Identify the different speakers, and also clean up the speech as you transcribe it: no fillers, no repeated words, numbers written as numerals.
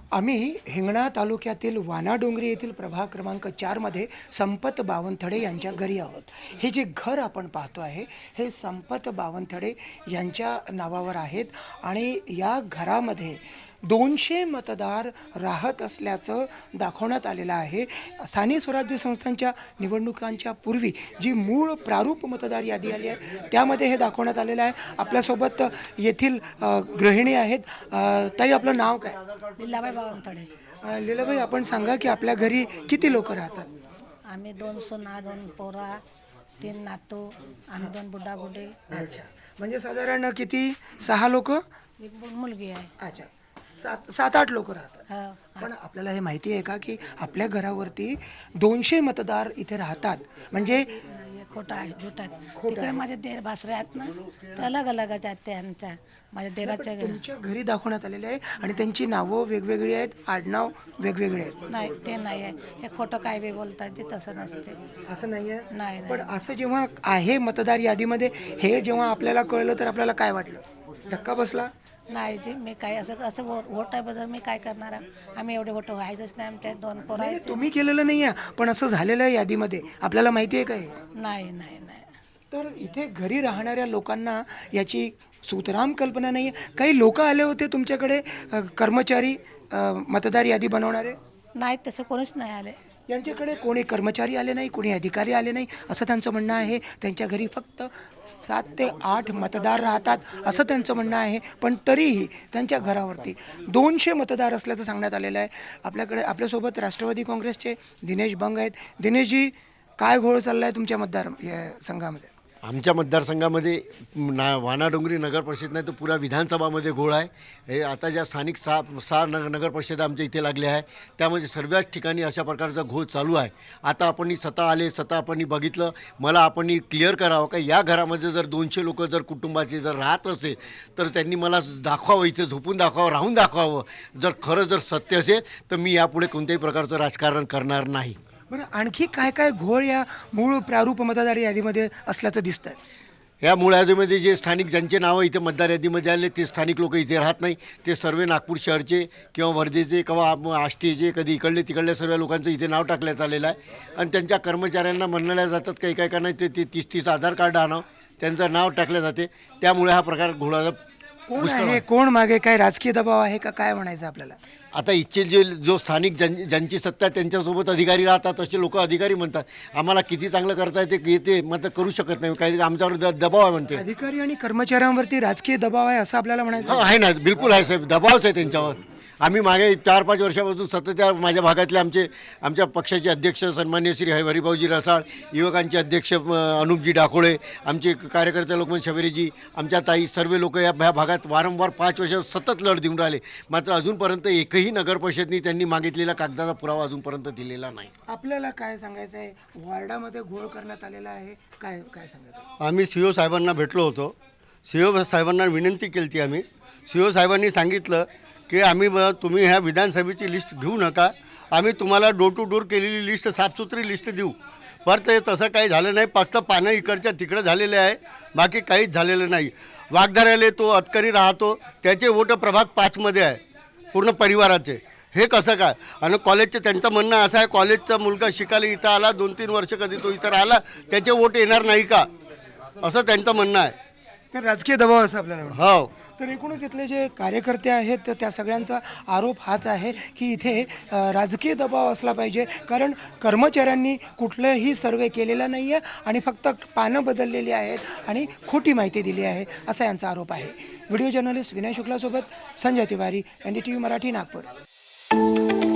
Speaker 1: आम्ही हिंगणा तालुक्यातील वानाडोंगरी येथील प्रभाग क्रमांक 4 मध्ये संपत बावनथडे यांच्या घरी आहोत। हे जे घर आपण पाहतो आहे हे संपत बावनथडे यांच्या नावावर आहेत आणि या घरामध्ये 200 मतदार राहत असल्याचं दाखवण्यात आलेलं आहे। स्थानिक स्वराज्य संस्थांच्या निवडणुकांच्या पूर्वी जी मूळ प्रारूप मतदार यादी आली आहे त्यामध्ये हे दाखवण्यात आलेलं आहे। आपल्यासोबत येथील गृहिणी आहेत। ताई, आपलं नाव काय?
Speaker 2: लीलाबाई बावनथडे।
Speaker 1: लीलाबाई, आपण सांगा की आपल्या घरी किती लोक राहतात?
Speaker 2: आम्ही 2 सुना, 2 पोरा, 3 नातू आणि 2 बुड्डा बुड्डी।
Speaker 1: अच्छा, म्हणजे साधारण किती? 6 लोक?
Speaker 2: एक मुलगी आहे।
Speaker 1: अच्छा, 7-8 लोक राहतात।
Speaker 2: हो,
Speaker 1: पण आपल्याला हे माहिती आहे का की आपल्या घरावरती 200 मतदार इथे राहतात? म्हणजे
Speaker 2: खोटा आहे, झूट आहे। तिकडे माझे देर भासरे आहेत ना, ते अलग अलगच आहेत त्यांच्या माझ्या देराच्या घरी।
Speaker 1: तुमच्या घरी दाखवण्यात आलेले आहे आणि त्यांची नावं वेगवेगळी आहेत, आडनाव वेगवेगळे आहेत।
Speaker 2: नाही, ते नाही आहे। हे खोटं काय बी बोलतात, ते तसं नसते।
Speaker 1: असं नाही आहे?
Speaker 2: नाही
Speaker 1: पण
Speaker 2: नाही
Speaker 1: असं जेव्हा आहे मतदार यादीमध्ये, हे जेव्हा आपल्याला कळलं तर आपल्याला काय वाटलं? धक्का बसला?
Speaker 2: नाही जी, मी काय असं असं वोटाबद्दल मी काय करणार आहे? आम्ही एवढे वोट व्हायचंच नाही। आमच्या 2 पोरा
Speaker 1: नाही,
Speaker 2: आहेत।
Speaker 1: तुम्ही केलेलं नाही आहे, पण असं झालेलं आहे यादीमध्ये, आपल्याला माहिती आहे का हे?
Speaker 2: नाही नाही नाही
Speaker 1: तर इथे घरी राहणाऱ्या लोकांना याची सुतराम कल्पना नाही आहे। काही लोक आले होते तुमच्याकडे, कर्मचारी, मतदार यादी बनवणारे?
Speaker 2: नाही, तसं कोणीच नाही आले।
Speaker 1: यांच्याकडे कोणी कर्मचारी आले नाही, कोणी अधिकारी आले नाही, असं त्यांचं म्हणणं आहे। त्यांच्या घरी फक्त 7 ते 8 मतदार राहतात असं त्यांचं म्हणणं आहे। पण तरीही त्यांच्या घरावरती 200 मतदार असल्याचं सांगण्यात आलेलं आहे। आपल्यासोबत राष्ट्रवादी काँग्रेसचे दिनेश बंग आहेत। दिनेशजी, काय घोळ चालला आहे तुमच्या संघामध्ये?
Speaker 3: आमच्या मतदारसंघामध्ये वानाडोंगरी नगर परिषद नाही तर पुरा विधानसभामध्ये घोळ आहे। हे आता ज्या स्थानिक सहा नगर परिषद आमच्या इथे लागल्या आहे त्यामध्ये सर्वच ठिकाणी अशा प्रकारचा घोळ चालू आहे। आता आपण स्वतः आले, स्वतः आपण बघितलं। मला आपण क्लिअर करावं का या घरामध्ये जर 200 लोक जर कुटुंबाचे जर राहत असेल तर त्यांनी मला दाखवावं, इथे झोपून दाखवावं, राहून दाखवावं। जर खरं जर सत्य असेल तर मी यापुढे कोणत्याही प्रकारचं राजकारण करणार नाही।
Speaker 1: बरं, आणखी काय काय घोळ या मूळ प्रारूप मतदार यादीमध्ये असल्याचं दिसतंय?
Speaker 3: या मूळ यादीमध्ये जे स्थानिक ज्यांचे नावं इथे मतदार यादीमध्ये आले ते स्थानिक लोक इथे राहत नाही। ते सर्व नागपूर शहरचे किंवा वर्धेचे किंवा आष्टीचे, कधी इकडले तिकडल्या सर्व लोकांचं इथे नाव टाकण्यात आलेलं आहे। आणि त्यांच्या कर्मचाऱ्यांना म्हणल्या जातात काही काय का नाही ते 30 आधार कार्ड आणावं, त्यांचं नाव टाकलं जाते। त्यामुळे हा प्रकार घोळाला
Speaker 1: कोण आहे, कोण मागे? काय राजकीय दबाव आहे का, काय म्हणायचं आपल्याला?
Speaker 3: आता इथचे जो स्थानिक ज्यांची सत्ता आहे त्यांच्यासोबत अधिकारी राहतात, असे लोक अधिकारी म्हणतात। आम्हाला किती चांगलं करता येते ते मात्र करू शकत नाही, काही आमच्यावर दबाव आहे म्हणते।
Speaker 1: अधिकारी आणि कर्मचाऱ्यांवरती राजकीय दबाव आहे असं आपल्याला म्हणायचं?
Speaker 3: हो, आहे ना, बिलकुल आहे साहेब, दबावच आहे त्यांच्यावर। आम्ही मागे 4-5 वर्षापासून सतत माझ्या भागातले आमच्या पक्षाचे अध्यक्ष सन्मान्य श्री हरिभाऊजी रसाळ, युवकांचे अध्यक्ष अनुपजी डाकोळे, आमचे कार्यकर्ते लोकमन शबरीजी, आमच्या ताई, सर्व लोक या भागात वारंवार 5 वर्ष सतत लढ देऊन राहिले। मात्र अजूनपर्यंत एकही नगर परिषदनी त्यांनी मागितलेला कागदाचा पुरावा अजूनपर्यंत दिलेला नाही।
Speaker 1: आपल्याला काय सांगायचं आहे? वॉर्डामध्ये घोळ करण्यात आलेला आहे, काय काय सांगायचं?
Speaker 4: आम्ही CO साहेबांना भेटलो होतो। CO साहेबांना विनंती केली होती आम्ही। CO साहेबांनी सांगितलं की तुम्ही ह्या विधानसभेची लिस्ट घेऊ नका, आम्ही तुम्हाला डोर टू डोर केलेली लिस्ट, साफसुथरी लिस्ट देऊ। पर ते तसं काही झालं नाही, फक्त पानं इकडच्या तिकडं झालेले आहे, बाकी काहीच झालेलं नाही। वाघधाऱ्याले तो अतकरी राहतो, त्याचे वोट प्रभाग 5मध्ये आहे पूर्ण परिवाराचे। हे कसं काय? आणि कॉलेजचं त्यांचं म्हणणं असं आहे, कॉलेजचा मुलगा शिकायला इथं आला 2-3 वर्ष, कधी तो इथं राहिला, त्याचे वोट येणार नाही का, असं त्यांचं म्हणणं आहे।
Speaker 1: तर राजकीय दबाव असं आपल्याला वाटतं?
Speaker 4: हो,
Speaker 1: तर एकूणच इथले जे कार्यकर्ते आहेत तर त्या सगळ्यांचा आरोप हाच आहे की इथे राजकीय दबाव असला पाहिजे, कारण कर्मचाऱ्यांनी कुठलंही सर्वे केलेला नाही आहे आणि फक्त पानं बदललेली आहेत आणि खोटी माहिती दिली आहे, असा यांचा आरोप आहे। व्हिडिओ जर्नलिस्ट विनय शुक्लासोबत संजय तिवारी, NDTV मराठी, नागपूर।